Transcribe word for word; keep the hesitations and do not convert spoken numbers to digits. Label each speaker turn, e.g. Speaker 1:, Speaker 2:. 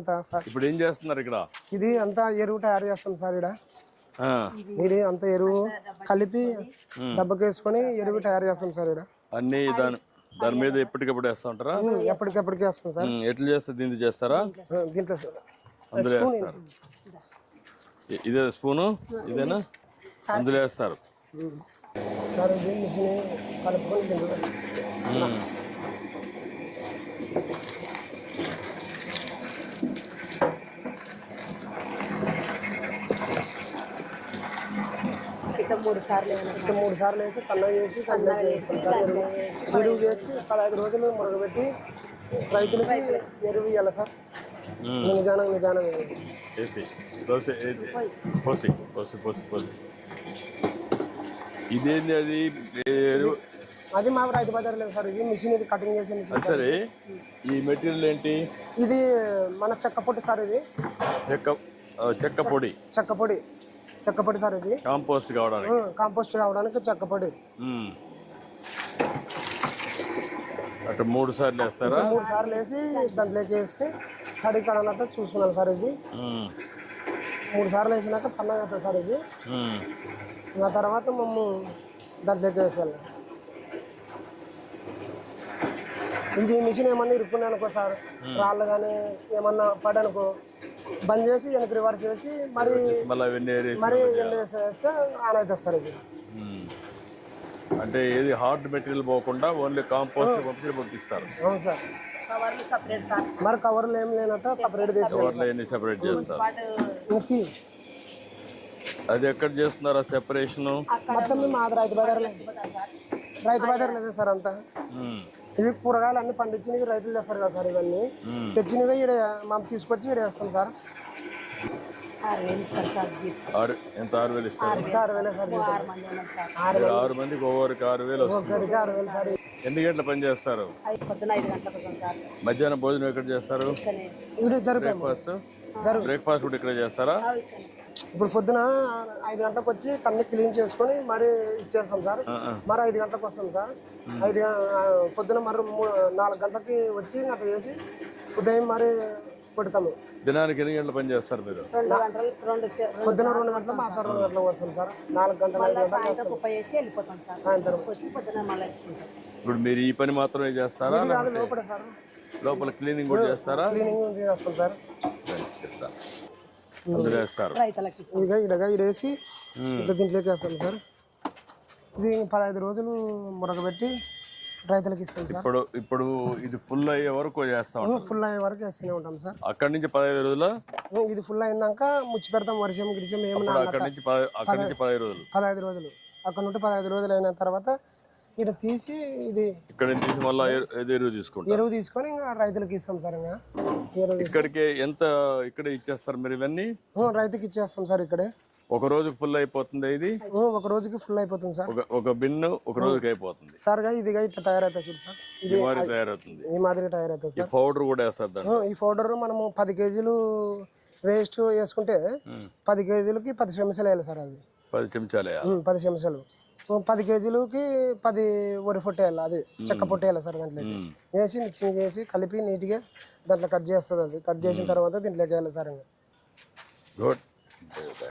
Speaker 1: అంతా సార్.
Speaker 2: ఇప్పుడు ఏం చేస్తున్నారు ఇక్కడ?
Speaker 1: ఇది అంతా ఎరువు తయారు చేస్తాం సార్. ఇక్కడ ఇది అంతా ఎరువు కలిపి దెబ్బకేసుకొని ఎరువు తయారు చేస్తాం సార్. ఇక్కడ
Speaker 2: అన్ని దాని దాని మీద ఎప్పటికప్పుడు వేస్తా ఉంటారా?
Speaker 1: ఎప్పటికెప్పటికి వేస్తాం సార్.
Speaker 2: ఎట్లా చేస్తారు? దీంట్లో చేస్తారా?
Speaker 1: దీంట్లో
Speaker 2: అందులో వేస్తారు. ఇదే స్పూను ఇదేనా? అందులో వేస్తారు
Speaker 1: సార్. ఇది మిషన్ కలుపుకొని దీంట్లో
Speaker 3: మూడు సార్లు
Speaker 1: మూడు సార్లు వేసి చల్లగా చేసి కంప్లీట్ చేస్తాం సార్. ఎరువు ఎరువు చేసి పదహైదు రోజులు మురగబెట్టి రైతులకి ఎరువు ఇవ్వాలి సార్. నిజానం నిజానం
Speaker 2: ఇదేంది? అది
Speaker 1: అది మా రైతు బజార్ లేదు సార్. ఇది మిషన్, ఇది కటింగ్ చేసే మిషన్.
Speaker 2: సరే, ఈ మెటీరియల్ ఏంటి?
Speaker 1: ఇది మన చెక్క పొడి సార్. ఇది
Speaker 2: చెక్క చెక్క పొడి
Speaker 1: చెక్క పొడి చెక్క పొడి సార్. ఇది
Speaker 2: కాంపోస్ట్ కావడానికి
Speaker 1: కాంపోస్ట్ కావడానికి చెక్క పొడి.
Speaker 2: అటు మూడు సార్లు వేస్తారా?
Speaker 1: మూడు సార్లు వేసి దాంట్లోకి వేసి తడి కడాలంతా చూసుకున్నాను సార్. ఇది మూడు సార్లు వేసినాక చల్లగా అవుతుంది సార్. ఇది ఆ తర్వాత మేము దాంట్లోకి వేసాను. ఇది మిషన్ ఏమన్నా ఇరుక్కున్నాయి అనుకో సార్, రాళ్ళు కానీ ఏమన్నా పడనుకో బంద్ చేసి వెనక్కి రివర్స్ చేసి మరి మరి ఎండ వేసేస్తే ఆన్ అవుతుంది సార్. ఇది
Speaker 2: అంటే ఏది హార్డ్ మెటీరియల్ పోకుండా ఓన్లీ కాంపోస్ట్ పంపించి పంపిస్తారు.
Speaker 1: అవును సార్. మరి కవర్లు ఏం లేనట్టు సపరేట్
Speaker 2: చేసి సెపరేట్ చేస్తారు. అది ఎక్కడ చేస్తున్నారా సెపరేషన్?
Speaker 1: మొత్తం మేము ఆది రైతు బజార్ రైతు బజార్ లేదా సార్. అంతా ఇవి కూరగాయలు అన్ని పండించినవి రైతులు చేస్తారు కదా సార్. ఇవన్నీ తెచ్చినవి ఇక్కడ మనం తీసుకొచ్చి ఇక్కడ వేస్తాం సార్.
Speaker 2: ఎంత? ఆరు వేలు ఇస్తారు.
Speaker 1: ఆరు వేలే సార్.
Speaker 2: ఆరు మందికి ఒక్కొక్కరికి ఆరు వేలు వస్తుంది.
Speaker 1: ఆరు వేలు సార్.
Speaker 2: ఎన్ని గంటల పని చేస్తారు? మధ్యాహ్నం భోజనం ఎక్కడ చేస్తారు? బ్రేక్ఫాస్ట్ బ్రేక్ఫాస్ట్ కూడా ఇక్కడ చేస్తారా?
Speaker 1: ఇప్పుడు పొద్దున ఐదు గంటలకు వచ్చి కన్నీ క్లీన్ చేసుకొని మరి ఇచ్చేస్తాం సార్. మరి ఐదు గంటలకు వస్తాం సార్. ఐదు పొద్దున మరి నాలుగు గంటలకి వచ్చి అట్లా చేసి ఉదయం మరి పెడతాము.
Speaker 2: దినానికి ఎన్ని గంటల పని చేస్తారు మీరు?
Speaker 1: పొద్దున రెండు గంటల మాత్రం రెండు గంటలకు వస్తాం సార్. నాలుగు గంటల సాయంత్రం.
Speaker 2: ఇప్పుడు మీరు ఈ పని మాత్రమే చేస్తారా?
Speaker 1: లోపల సార్.
Speaker 2: లోపల క్లీనింగ్ కూడా చేస్తారా?
Speaker 1: క్లీనింగ్ చేస్తాం సార్.
Speaker 2: అందులో వేస్తారు.
Speaker 1: ఇదిగా ఇడగా ఇడేసి ఇట్లా దీంట్లోకి వేస్తాం సార్. ఇది పదహైదు రోజులు మురగబెట్టి రైతులకు ఇస్తాం సార్.
Speaker 2: ఇప్పుడు ఇప్పుడు ఇది ఫుల్ అయ్యే వరకు చేస్తాం.
Speaker 1: ఫుల్ అయ్యే వరకు వేస్తూనే ఉంటాం సార్.
Speaker 2: అక్కడి నుంచి పదహైదు రోజులు
Speaker 1: ఇది ఫుల్ అయినాక ముచ్చి పెడతాం. వర్షం గిరిజం ఏమన్నా
Speaker 2: అక్కడి నుంచి అక్కడి నుంచి పదహైదు రోజులు
Speaker 1: పదహైదు రోజులు అక్కడ నుండి పదహైదు రోజులు అయిన తర్వాత ఇక్కడ తీసి ఇది
Speaker 2: ఇక్కడ తీసి మళ్ళీ ఎరువు తీసుకుంటాం.
Speaker 1: ఎరువు తీసుకొని ఇంకా రైతులకు ఇస్తాం సార్. ఇంకా
Speaker 2: ఇక్కడికి ఎంత ఇక్కడ ఇచ్చేస్తారు మీరు? ఇవన్నీ
Speaker 1: రైతుకి ఇచ్చేస్తాం సార్. ఇక్కడే
Speaker 2: ఒక రోజుకి ఫుల్ అయిపోతుంది. ఇది
Speaker 1: ఒక రోజుకి ఫుల్ అయిపోతుంది సార్.
Speaker 2: ఒక బిన్ను ఒక రోజుకి అయిపోతుంది
Speaker 1: సార్. ఇదిగా ఇట్లా తయారవుతుంది చూడు సార్.
Speaker 2: ఇది మాదిరి తయారవుతుంది.
Speaker 1: ఈ మాదిరి తయారవుతుంది సార్.
Speaker 2: పౌడర్ కూడా వేస్తారు.
Speaker 1: ఈ పౌడర్ మనము పది కేజీలు వేస్ట్ వేసుకుంటే పది కేజీలకి పది చెంచాలు వేయాలి సార్. అది
Speaker 2: పది చెంచాలు
Speaker 1: పది చెంచాలు పది కేజీలకి పది వరి పొట్టు వేయాలి. అది చెక్క పొట్టు వేయాలి సార్. దాంట్లో వేసి మిక్సింగ్ చేసి కలిపి నీట్గా దాంట్లో కట్ చేస్తుంది. అది కట్ చేసిన తర్వాత దీంట్లోకి వేయాలి సార్.
Speaker 2: గుడ్.